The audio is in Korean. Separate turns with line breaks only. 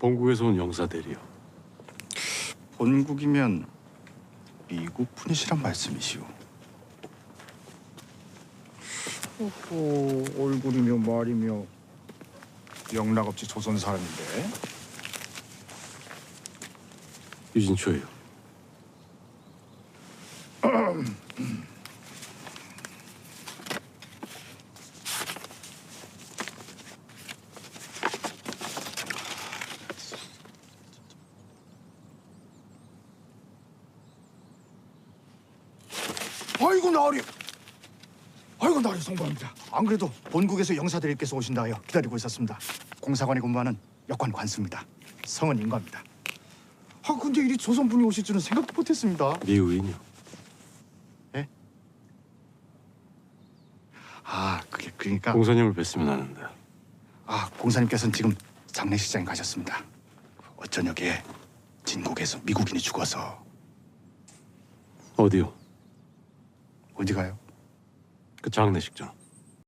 본국에서 온 영사들이요.
본국이면 미국 분이시란 말씀이시오. 얼굴이며 말이며 영락없이 조선 사람인데.
유진초예요.
아이고 나으리 성공합니다. 안 그래도 본국에서 영사들께서 오신다 하여 기다리고 있었습니다. 공사관에 근무하는 역관 관수입니다. 성은 인과입니다. 근데 이리 조선분이 오실 줄은 생각도 못했습니다.
미우인이요.
예? 그러니까
공사님을 뵀으면 하는데.
공사님께서는 지금 장례식장에 가셨습니다. 어쩌녁에 진국에서 미국인이 죽어서.
어디요?
어디 가요?
그 장례식장.